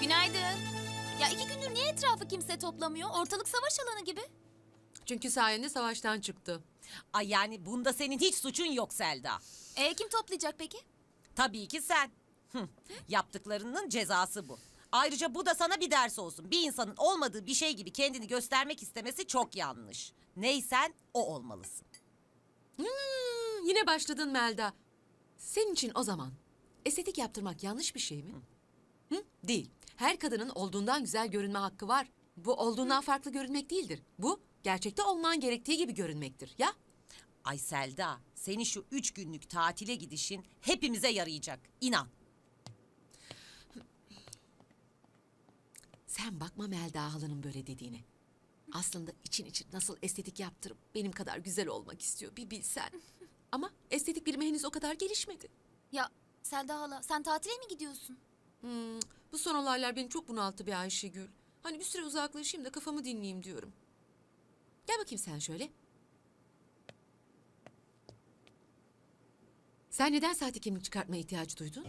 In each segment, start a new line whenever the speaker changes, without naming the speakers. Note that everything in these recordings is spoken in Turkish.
Günaydın. Ya 2 gündür niye etrafı kimse toplamıyor? Ortalık savaş alanı gibi.
Çünkü sayende savaştan çıktı.
Ay yani bunda senin hiç suçun yok Selda.
Kim toplayacak peki?
Tabii ki sen. Yaptıklarının cezası bu. Ayrıca bu da sana bir ders olsun. Bir insanın olmadığı bir şey gibi kendini göstermek istemesi çok yanlış. Neysen o olmalısın.
Yine başladın Melda. Senin için o zaman estetik yaptırmak yanlış bir şey mi? Hı? Değil. Her kadının olduğundan güzel görünme hakkı var. Bu olduğundan farklı görünmek değildir. Bu gerçekte olman gerektiği gibi görünmektir. Ya?
Ay Selda, senin şu 3 günlük tatile gidişin hepimize yarayacak. İnan.
Sen bakma Melda halanın böyle dediğine. Aslında için nasıl estetik yaptırıp benim kadar güzel olmak istiyor bir bilsen. Ama estetik bilimi henüz o kadar gelişmedi.
Ya Selda hala sen tatile mi gidiyorsun?
Bu son olaylar beni çok bunalttı be Ayşegül. Hani bir süre uzaklaşayım da kafamı dinleyeyim diyorum. Gel bakayım sen şöyle. Sen neden sahte kimlik çıkartmaya ihtiyacı duydun?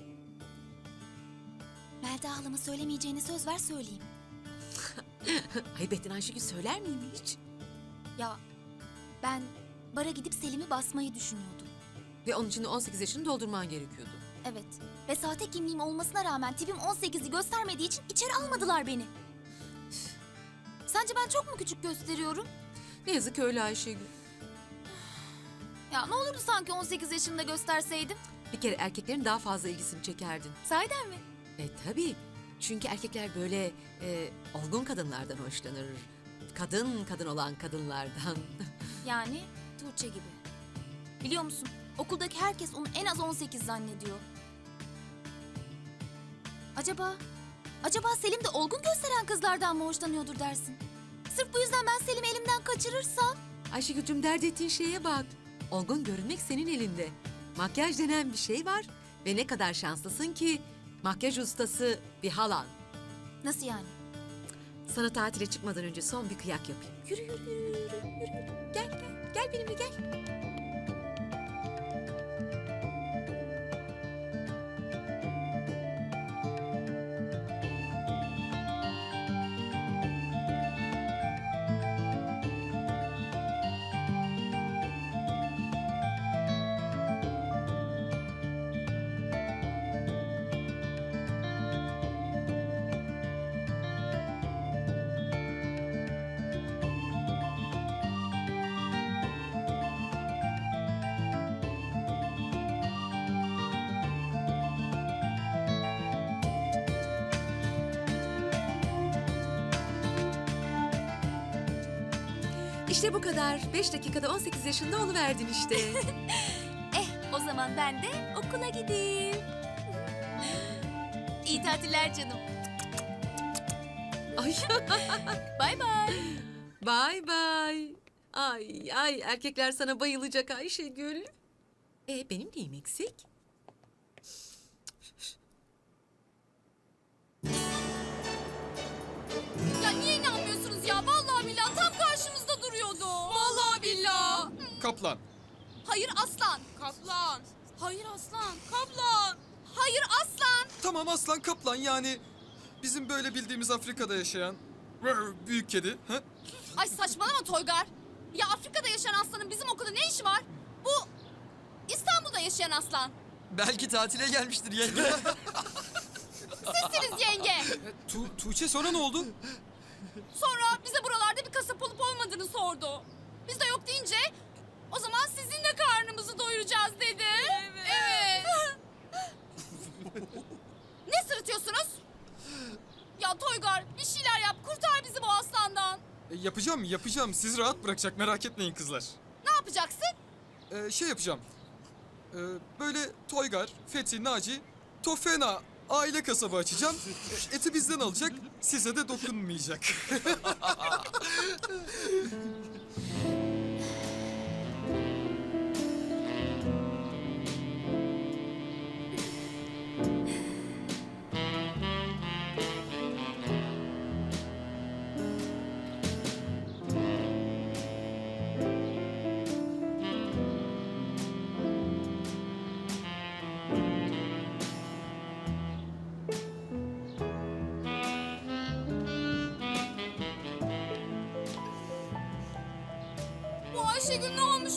Melda halama söylemeyeceğini söz ver söyleyeyim.
Ayıp ettin Ayşegül, söyler miyim hiç?
Ya ben bara gidip Selim'i basmayı düşünüyordum.
Ve onun için de 18 yaşını doldurman gerekiyordu.
Evet. Ve sahte kimliğim olmasına rağmen tipim 18'i göstermediği için içeri almadılar beni. Sence ben çok mu küçük gösteriyorum?
Ne yazık ki öyle Ayşegül.
Ya ne olurdu sanki 18 yaşında gösterseydim?
Bir kere erkeklerin daha fazla ilgisini çekerdin.
Sahiden mi?
Tabii. Çünkü erkekler böyle olgun kadınlardan hoşlanır. Kadın olan kadınlardan.
Yani Tuğçe gibi. Biliyor musun? Okuldaki herkes onu en az 18 zannediyor. Acaba Selim de olgun gösteren kızlardan mı hoşlanıyordur dersin? Sırf bu yüzden ben Selim'i elimden kaçırırsam...
Ayşegül'cüm, dert ettiğin şeye bak. Olgun görünmek senin elinde. Makyaj denen bir şey var. Ve ne kadar şanslısın ki makyaj ustası bir halan.
Nasıl yani?
Sana tatile çıkmadan önce son bir kıyak yapayım. Yürü. Gel benimle gel. İşte bu kadar. 5 dakikada 18 yaşında oluverdin işte.
O zaman ben de okula gideyim. İyi tatiller canım.
Ay.
Bay bay.
Bye bye. Ay erkekler sana bayılacak Ayşegül. Benim neyim eksik?
Ya niye inanmıyorsunuz ya? Vallahi billahi tam karşımızda duruyordu. Vallahi billahi.
Kaplan.
Hayır aslan. Kaplan. Hayır aslan. Kaplan. Hayır aslan.
Tamam aslan kaplan yani bizim böyle bildiğimiz Afrika'da yaşayan büyük kedi. Ha?
Ay saçmalama Toygar. Ya Afrika'da yaşayan aslanın bizim okulda ne işi var? Bu İstanbul'da yaşayan aslan.
Belki tatile gelmiştir yenge.
Sizsiniz yenge.
Tuğçe sonra ne oldu?
Sonra bize buralarda bir kasap olup olmadığını sordu. Biz de yok deyince o zaman sizinle karnımızı doyuracağız dedi. Evet. Ne sırıtıyorsunuz? Ya Toygar bir şeyler yap, kurtar bizi bu aslandan.
Yapacağım. Sizi rahat bırakacak, merak etmeyin kızlar.
Ne yapacaksın?
Şey yapacağım. Böyle Toygar, Fethi, Naci, Tofena aile kasabı açacağım. Eti bizden alacak, size de dokunmayacak.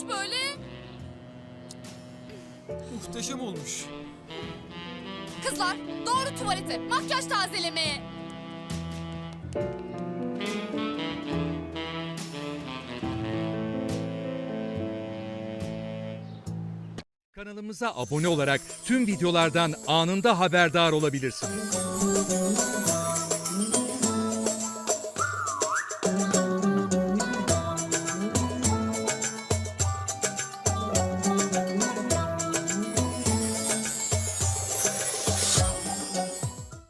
böyle?
Muhteşem olmuş.
Kızlar doğru tuvalete, makyaj tazelemeye.
Kanalımıza abone olarak tüm videolardan anında haberdar olabilirsiniz.